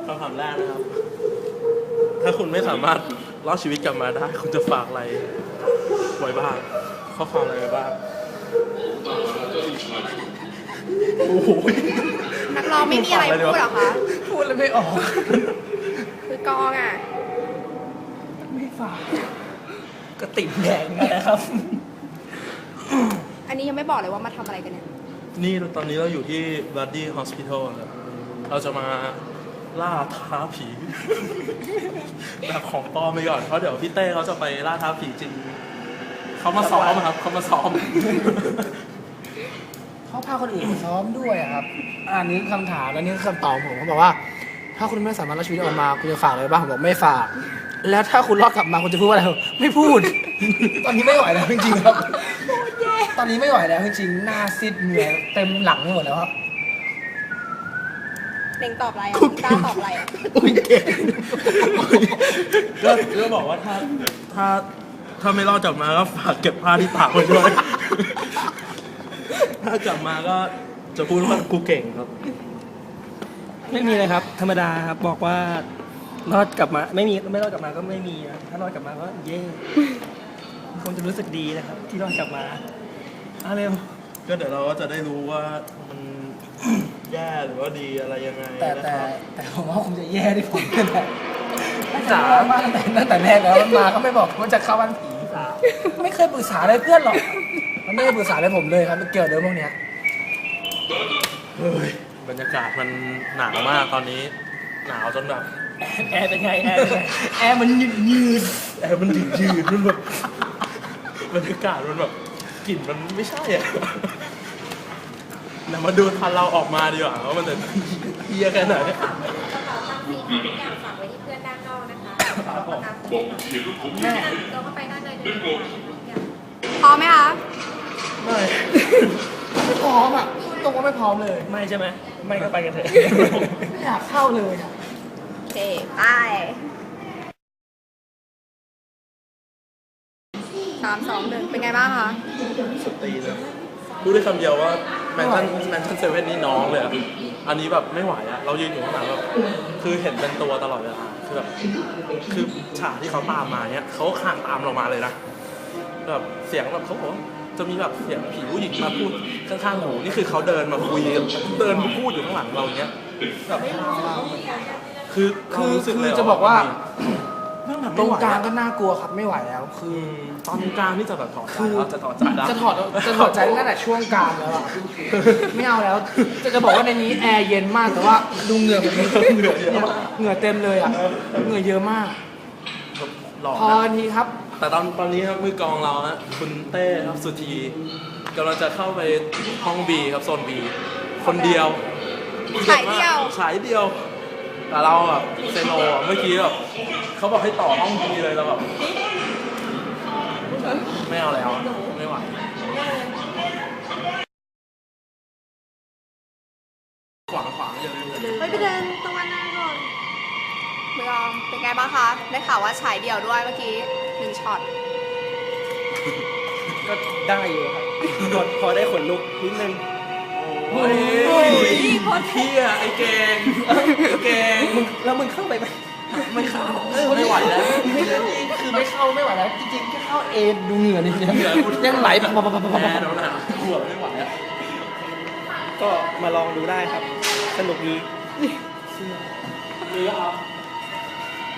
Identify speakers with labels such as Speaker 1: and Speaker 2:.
Speaker 1: คำถามแรกนะครับ ถ้าคุณไม่สามารถรอดชีวิตกลับมาได้ คุณจะฝากอะไรไว้บ้างข้อความอะไรไว้บ้างโอ้โห
Speaker 2: นักร้องไม่มีอะไรพูดเหรอคะ
Speaker 3: พูดเลยไม่ออก
Speaker 2: คือกองอ่ะ
Speaker 3: ไม่ฝากก็ติ่มแดงนะครับ
Speaker 2: อันนี้ยังไม่บอกเลยว่ามาทำอะไรกันเนี่ย
Speaker 1: นี่ตอนนี้เราอยู่ที่ Bloody Hospital ครับ เราจะมาล่าท้าผี แบบของปลอมไปก่อน เพราะเดี๋ยวพี่เต้เขาจะไปล่าท้าผีจริง เขามาซ้อมครับ เขามาซ้อม
Speaker 3: เขาพาคนอื่นมาซ้อมด้วยอะครับ อันนี้คำถามแล้วนี่คือคำตอบผมเขาบอกว่า ถ้าคุณไม่สามารถรอดชีวิตออกมาคุณจะฝากอะไรบ้างผมบอกไม่ฝาก แล้วถ้าคุณรอดกลับมาคุณจะพูดว่าอะไรไม่พูด ตอนนี้ไม่ไหวแล้วจริงๆครับ ตอนนี้ไม่ไหวแล้วจริงๆหน้าซีดเหงื่อเต็มหลังไปหมดแล้วครับ
Speaker 2: เน่งตอบอะไรอ่ะตาตอบอะไรอ่ะ
Speaker 3: อุ้ยเก่ง
Speaker 1: ก็บอกว่าถ้าไม่รอดกลับมาก็ฝากเก็บผ้าที่ตากไว้ด้วย ถ้ากลับมาก็จะพูดว่ากูเก่งครับ
Speaker 4: ไม่มีเลยครับ ธรรมดาครับบอกว่ารอดกลับมาไม่รอดกลับมาก็ไม่มีนะถ้ารอดกลับมาก็เย่คงจะรู้สึกดีนะครับ ที่รอดกลับมาเอาเร็ว
Speaker 1: ก็เดี๋ยวเราก็จะได้รู้ว่ามันแย่หรือว่าดีอะไรยังไง
Speaker 3: แต่
Speaker 1: นะครับ
Speaker 3: แต่ผมว่าคงจะแย่ที่ผมนี่แหละจ๋ามาตั้งแต่แรกแล้วมันมาก็ไม่บอกว่าจะเข้าบ้านผีไม่เคยปรึกษาอะไรเพื่อนหรอกมันไม่เคยปรึกษาอะไรผมเลยครับมันเกี่ยวเรื่องพวกเนี้ย
Speaker 1: เฮ้ยบรรยากาศมันหนาวมากตอนนี้ หนาวจนแบบ
Speaker 4: แอร์เป็นไงแอร์เป็นไงแอร์มันยืด
Speaker 1: แอร์มันยืดมันแบบบรรยากาศมันแบบกลิ่นมันไม่ใช่อ่ะเดี๋ยวมาดูทันเราออกมาดีกว่าว่ามันจะเฮียแค่ไหน
Speaker 2: กระเป๋าตังค์มีทุกอย่างฝากไว้ที่เพื่อนด้านนอกนะคะเราก็ไปด้านในได้เลยพร้อมไหมคะ
Speaker 1: ไม่
Speaker 3: ไม่พร้อมอ่ะตรงว่าไม่พร้อมเลย
Speaker 4: ไม่ใช่ไหมไม่ก็ไปกันเถอะ
Speaker 3: ไม่อยากเข้าเลยอะ
Speaker 2: โอเคไป3 2 1เป็นไงบ้างคะ
Speaker 1: สตรีเลยพูดได้คำเดียวว่าแมนชั่นเซเว่นนี่น้องเลยอะอันนี้แบบไม่ไหวอะเรายืนอยู่ข้างหลังแบบคือเห็นเป็นตัวตลอดเวลาคือแบบคือฉากที่เขาตามมาเนี้ยเขาคานตามเรามาเลยนะแบบเสียงแบบเขาบอกว่าจะมีแบบเสียงผีผู้หญิงมาพูดข้างๆหูนี่คือเขาเดินมาคุยเดินมาพูดอยู่ข้างหลังเราเนี้ยแบบคือเรารู้สึกเลย
Speaker 3: จะบอกว่า
Speaker 1: นั่งแบบ
Speaker 3: ต
Speaker 1: ไม่
Speaker 3: รง
Speaker 1: ไหว
Speaker 3: กลาง
Speaker 1: อะ
Speaker 3: ก็น่ากลัวครับไม่ไหวแล้วคือ
Speaker 1: ตอนกลางนี่จะแบบถอดใจแล้วจะถอดใจแล้ว
Speaker 3: จะถอดใจตั้งแต่ช่วงกลางแล้วอะไม่เอาแล้ว จะบอกว่าในนี้แอร์เย็นมากแต่ว่าดูเหงื่อผมเหงื่อเยอะมากเหงื่อเต็มเลยอ่ะเหงื่อเยอะมาก
Speaker 1: หล่อ
Speaker 3: พอ
Speaker 1: นะ
Speaker 3: ทีครับ
Speaker 1: แต่ตอนนี้ครับมือกลองเราฮะคุณเต้ครับสุธีกำลังจะเข้าไปห้องบีครับโซนบีคนเดียว
Speaker 2: ฉายเดียว
Speaker 1: ฉายเดียว แต่เราแบบเซโนอะเมื่อกี้แบบเขาบอกให้ต่อห้องบีเลยเราแบบไม่เอาแล้วไม่ไหวขวางเยอะเลย
Speaker 2: ไปเดินตะวันหน้าก่อนมืออมเป็นไงบ้างคะ ได้ข่าวว่าฉายเดี่ยวด้วยเมื่อกี้1 ช็อต
Speaker 4: ก็ได้อยู่ครับพอได้ขนลุกนิดนึง
Speaker 1: โอ้ยเฮียไอ้เก่งไอ้เก่ง
Speaker 4: แล้วมึงเข้าไปไหม
Speaker 1: ไม่เข้าไม่ไหวแล้ว
Speaker 3: คือไม่เข้าไม่ไหวแล้วจริงๆแค่เข้าเองดูเหงื่อนี่ยังไหลปะปะปะปะปะ
Speaker 1: แพ้แล้วนะขวบไม่ไหวอ่ะ
Speaker 4: ก็มาลองดูได้ครับ สนุกดี
Speaker 1: นี่ครับ